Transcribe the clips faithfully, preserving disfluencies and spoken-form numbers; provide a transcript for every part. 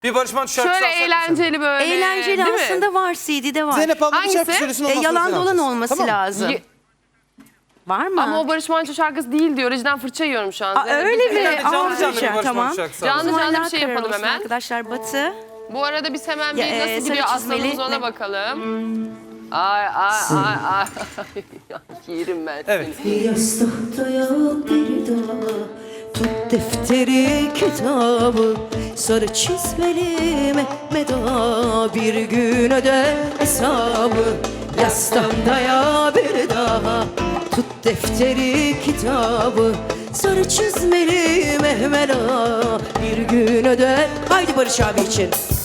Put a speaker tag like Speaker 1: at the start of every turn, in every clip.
Speaker 1: Bir Barış Manço şarkısı
Speaker 2: Şöyle
Speaker 1: alsak mı
Speaker 2: eğlenceli böyle.
Speaker 3: Eğlenceli
Speaker 2: değil mi?
Speaker 3: aslında var, C D'de var.
Speaker 1: Zeynep abla bir
Speaker 2: Hangisi?
Speaker 1: şarkı söylesin.
Speaker 3: E,
Speaker 1: ondan sonra
Speaker 3: yalan
Speaker 1: sen
Speaker 3: dolan
Speaker 1: alacaksın.
Speaker 3: olması
Speaker 1: Tamam mı?
Speaker 3: lazım.
Speaker 2: Ye-
Speaker 3: Var mı?
Speaker 2: Ama o Barış Manço şarkısı değil diyor. Rejiden fırça yiyorum şu an.
Speaker 3: Aa,
Speaker 2: Zeynep,
Speaker 3: öyle
Speaker 2: biz-
Speaker 3: mi?
Speaker 1: Yani canlı
Speaker 3: Aa,
Speaker 1: canlı bir
Speaker 3: Barış,
Speaker 1: Barış
Speaker 3: tamam.
Speaker 1: Manço şarkısı
Speaker 2: Canlı
Speaker 1: alalım.
Speaker 2: canlı bir
Speaker 3: Allah
Speaker 2: şey
Speaker 3: karar
Speaker 2: yapalım
Speaker 3: olsun
Speaker 2: hemen.
Speaker 3: arkadaşlar. Batı.
Speaker 2: Bu arada biz hemen bir
Speaker 3: Ya,
Speaker 2: nasıl
Speaker 3: e,
Speaker 2: gidiyor
Speaker 3: sarı
Speaker 2: aslanımız
Speaker 3: çizmeli
Speaker 2: ona
Speaker 3: ne?
Speaker 2: bakalım. Ay ay ay ay. Yerim ben
Speaker 1: Evet.
Speaker 2: seni.
Speaker 3: Yastıkta yok bir daha. Tut defteri kitabı. Sarı çizmeli Mehmet Ağa bir gün öder hesabı. Yastıkta ya bir daha. Tut defteri kitabı. Sarı çizmeli Mehmet Ağa bir gün öder. Haydi Barış abi için.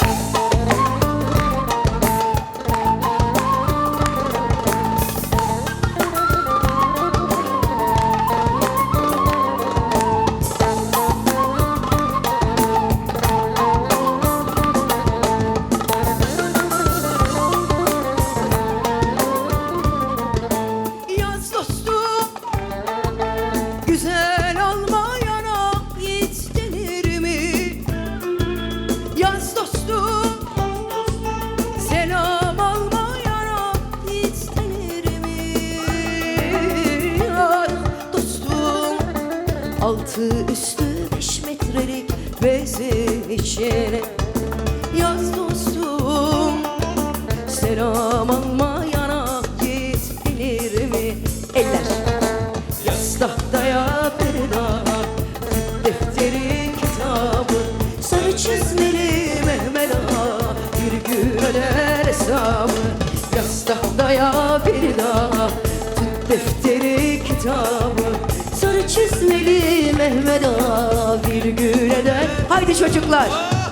Speaker 3: Yaz dostum, güzel olmayana yiğit denir mi? Yaz dostum, selam almayana yiğit denir mi? Yaz dostum, altı üstü beş metrelik bezin içine. Yaz dostum, selam almayana yiğit denir mi? Eller. Yastıkta bir daha defteri kitabı. Sarı çizmeli Mehmet Ağa bir gün öder hesabı. Yastıkta bir daha tut defteri kitabı. Sarı çizmeli Mehmet Ağa bir gün öder. Haydi çocuklar.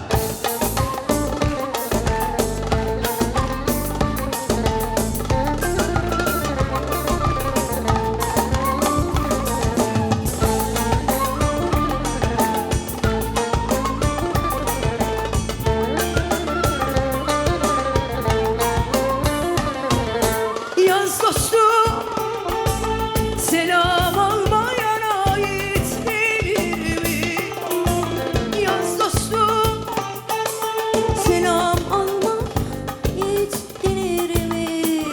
Speaker 3: Yaz dostum, selam almayana yiğit denir mi? Yaz dostum, selam alma yiğit denir mi?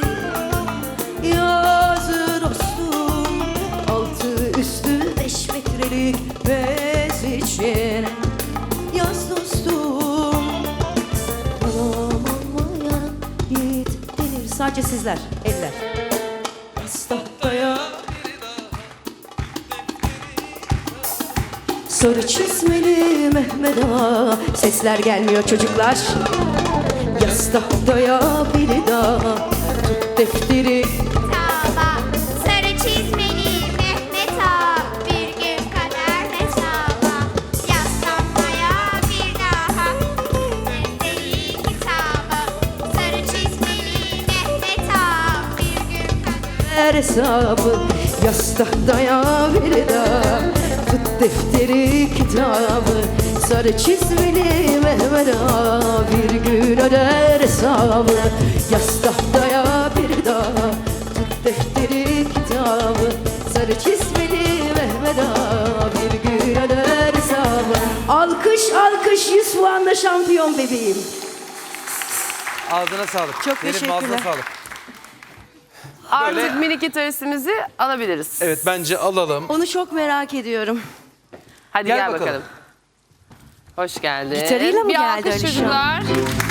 Speaker 3: Yaz dostum, altı üstü beş metrelik bez için. Yaz dostum, selam almayana yiğit denir. Sadece sizler, eller. Tahtaya sarı çizmeli Mehmet Ağa. Sesler gelmiyor çocuklar. Yaz tahtaya bir daha tut defteri.
Speaker 4: Kitaba sarı çizmeli Mehmet Ağa bir gün kadar hesaba. Yaslanmaya bir daha defteri kitaba. Sarı çizmeli Mehmet Ağa bir gün kadar.
Speaker 3: Hesabı yastıkta bir daha tut defteri kitabı. Sarı çizmeli Mehmet Ağa bir gün öder hesabı. Yastıkta bir daha tut defteri kitabı. Sarı çizmeli Mehmet Ağa bir gün öder hesabı. Alkış alkış, yüz puanla şampiyon bebeğim.
Speaker 1: Ağzına sağlık.
Speaker 3: Çok
Speaker 1: Zeynep,
Speaker 3: teşekkürler.
Speaker 1: ağzına sağlık.
Speaker 2: Artık
Speaker 1: Böyle-
Speaker 2: minik gitaristimizi alabiliriz.
Speaker 1: Evet bence alalım.
Speaker 3: Onu çok merak ediyorum.
Speaker 2: Hadi
Speaker 1: Gel
Speaker 2: gel,
Speaker 1: bakalım.
Speaker 2: bakalım. Hoş geldin.
Speaker 3: Gitarıyla mı
Speaker 2: bir
Speaker 3: geldi
Speaker 2: alkış
Speaker 3: Alişan?
Speaker 2: çocuklar.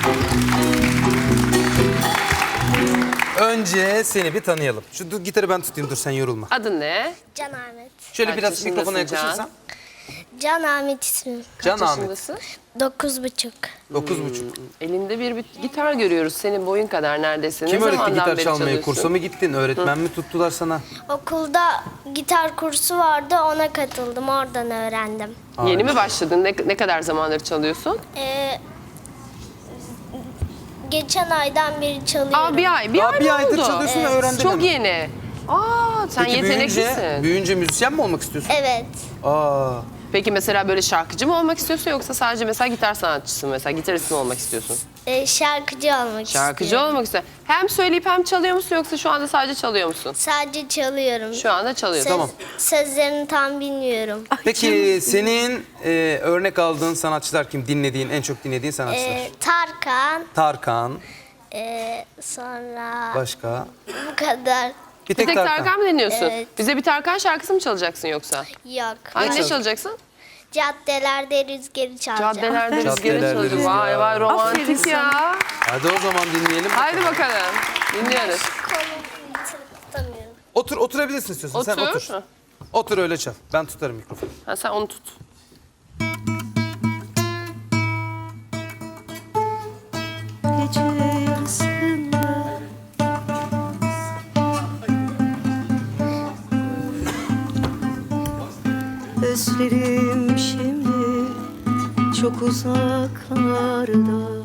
Speaker 1: Önce seni bir tanıyalım. Şu dur, gitarı ben tutayım, dur sen yorulma.
Speaker 2: Adın ne?
Speaker 4: Can Ahmet.
Speaker 1: Şöyle
Speaker 2: Kaç
Speaker 1: biraz
Speaker 2: yaşındasın
Speaker 1: mikrofona
Speaker 2: Can?
Speaker 1: yaklaşırsan.
Speaker 4: Can Ahmet ismim.
Speaker 1: Can
Speaker 2: Kaç
Speaker 1: Ahmet.
Speaker 2: yaşındasın?
Speaker 4: Dokuz buçuk.
Speaker 1: Dokuz buçuk.
Speaker 2: Elinde bir, bir gitar görüyoruz. Senin boyun kadar neredeyse.
Speaker 1: Kim
Speaker 2: ne
Speaker 1: öğretti
Speaker 2: zamandan
Speaker 1: gitar
Speaker 2: beri
Speaker 1: çalmayı?
Speaker 2: çalıyorsun?
Speaker 1: Kursa mı gittin? Öğretmen mi tuttular sana?
Speaker 4: Okulda gitar kursu vardı, ona katıldım, oradan öğrendim.
Speaker 2: Yeni mi başladın? Ne, ne kadar zamandır çalıyorsun?
Speaker 4: Ee, geçen aydan beri çalıyorum.
Speaker 2: Aa bir ay. Bir
Speaker 1: Aa,
Speaker 2: ay
Speaker 1: bir
Speaker 2: mı
Speaker 1: aydır
Speaker 2: oldu?
Speaker 1: çalıyorsun ve öğrendin
Speaker 2: Çok
Speaker 1: hemen.
Speaker 2: yeni. Aa sen
Speaker 1: Peki
Speaker 2: yeteneklisin.
Speaker 1: büyüyünce, büyüyünce müzisyen mi olmak istiyorsun?
Speaker 4: Evet.
Speaker 1: Aa,
Speaker 2: Peki mesela böyle şarkıcı mı olmak istiyorsun yoksa sadece mesela gitar sanatçısı mı? Mesela gitarist mi olmak istiyorsun?
Speaker 4: Ee, şarkıcı olmak
Speaker 2: Şarkıcı
Speaker 4: istiyorum.
Speaker 2: olmak istiyorsun. Hem söyleyip hem çalıyor musun yoksa şu anda sadece çalıyor musun?
Speaker 4: Sadece çalıyorum.
Speaker 2: Şu anda çalıyorsun.
Speaker 4: Söz-
Speaker 1: Tamam.
Speaker 4: Sözlerini tam bilmiyorum.
Speaker 1: Peki senin e, örnek aldığın sanatçılar kim? Dinlediğin, en çok dinlediğin sanatçılar?
Speaker 4: Ee, Tarkan,
Speaker 1: Tarkan,
Speaker 4: ee, sonra
Speaker 1: başka?
Speaker 4: bu kadar.
Speaker 1: Bir
Speaker 2: Bir
Speaker 1: tek,
Speaker 2: tek Tarkan, mı dinliyorsun?
Speaker 4: Evet.
Speaker 2: Bize bir Tarkan şarkısı mı çalacaksın yoksa?
Speaker 4: Yok.
Speaker 2: Hangi ne
Speaker 1: çal-
Speaker 2: çalacaksın?
Speaker 4: Caddelerde rüzgarı çalacağım.
Speaker 2: Caddelerde rüzgarı
Speaker 1: Caddelerde
Speaker 2: çalıyor.
Speaker 1: rüzgar.
Speaker 2: Vay vay
Speaker 3: Aferin
Speaker 2: romantik
Speaker 3: sana.
Speaker 2: ya.
Speaker 1: Hadi o zaman dinleyelim.
Speaker 2: Haydi bakalım. Dinliyoruz.
Speaker 4: Kolumu bitirip tutamıyorum.
Speaker 1: Otur, oturabilirsin istiyorsan. Sen
Speaker 2: Otur.
Speaker 1: otur. Otur öyle çal. Ben tutarım mikrofonu.
Speaker 2: Ha, sen onu tut.
Speaker 3: Gece yarısında özlerim şimdi çok uzaklarda.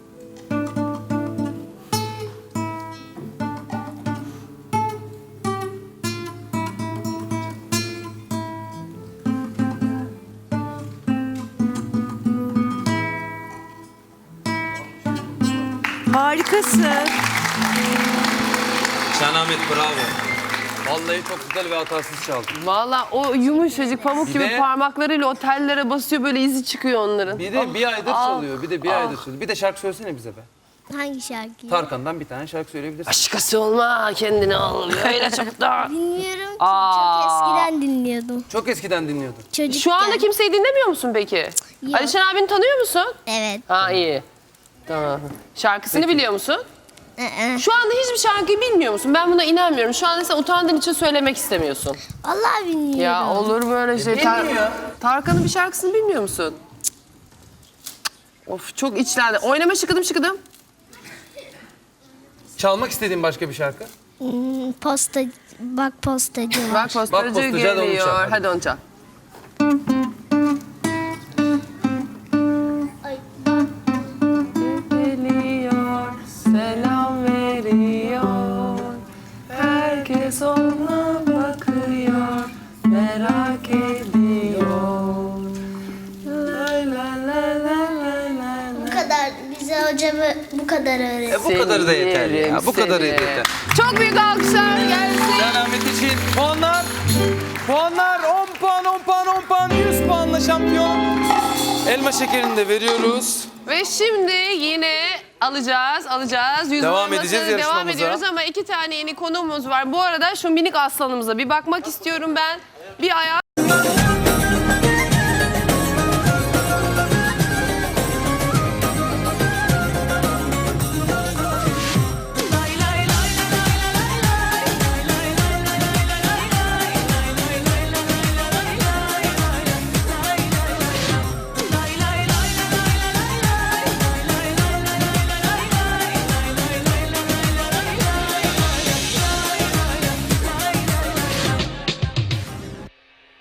Speaker 3: Harikasın.
Speaker 1: Şenahmet bravo. Vallahi çok güzel ve hatasız çaldın.
Speaker 2: Valla o yumuşacık pamuk
Speaker 1: Bir
Speaker 2: gibi
Speaker 1: de-
Speaker 2: parmaklarıyla o tellere basıyor böyle izi çıkıyor onların.
Speaker 1: Bir de bir aydır
Speaker 2: ah,
Speaker 1: çalıyor. Bir de bir aydır çalıyor. Bir de şarkı söylesene bize be.
Speaker 4: Hangi şarkıyı?
Speaker 1: Tarkan'dan bir tane şarkı söyleyebilirsin.
Speaker 2: Başkası olma kendini al. Öyle çok da.
Speaker 4: Bilmiyorum ki.
Speaker 2: Aa.
Speaker 4: Çok eskiden dinliyordum.
Speaker 1: Çok eskiden dinliyordun.
Speaker 4: Çocukken.
Speaker 2: Şu anda kimseyi dinlemiyor musun peki?
Speaker 4: Yok.
Speaker 2: Alişan abini tanıyor musun?
Speaker 4: Evet.
Speaker 2: Ha iyi. Tamam. Şarkısını biliyor musun?
Speaker 4: Ee,
Speaker 2: Şu anda hiçbir şarkıyı bilmiyor musun? Ben buna inanmıyorum. Şu anda sen utandığın için söylemek istemiyorsun.
Speaker 4: Vallahi bilmiyorum.
Speaker 2: Ya olur böyle şey. Tar-
Speaker 1: bilmiyor.
Speaker 2: Tarkan'ın bir şarkısını bilmiyor musun? Of çok içlendi. Oynama şıkıdım şıkıdım.
Speaker 1: Çalmak istediğin başka bir şarkı?
Speaker 4: Hmm, posta, bak postacı var.
Speaker 2: Bak postacı
Speaker 1: postacı, hadi onu
Speaker 2: geliyor.
Speaker 1: çal, hadi.
Speaker 2: Hadi onu çal.
Speaker 4: Ay.
Speaker 2: Geliyor, selam veriyor. Herkes ona bakıyor, merak ediyor. La la la la la la.
Speaker 4: Bu kadar. Bize hocamı bu kadar öğretti.
Speaker 1: E bu kadarı da yeter ya.
Speaker 2: yerim
Speaker 1: Bu kadarı
Speaker 2: seni.
Speaker 1: yeter.
Speaker 2: Çok büyük alkışlar gelsin.
Speaker 1: Şenahmet için puanlar. Puanlar on puan, on puan, on puan, yüz puanla şampiyon. Elma şekerini de veriyoruz.
Speaker 2: Ve şimdi yine alacağız, alacağız. Yüz
Speaker 1: Devam
Speaker 2: olması-
Speaker 1: edeceğiz
Speaker 2: Devam
Speaker 1: yarışmamıza.
Speaker 2: ediyoruz ama iki tane yeni konuğumuz var. Bu arada şu minik aslanımıza bir bakmak istiyorum ben. Bir ayağa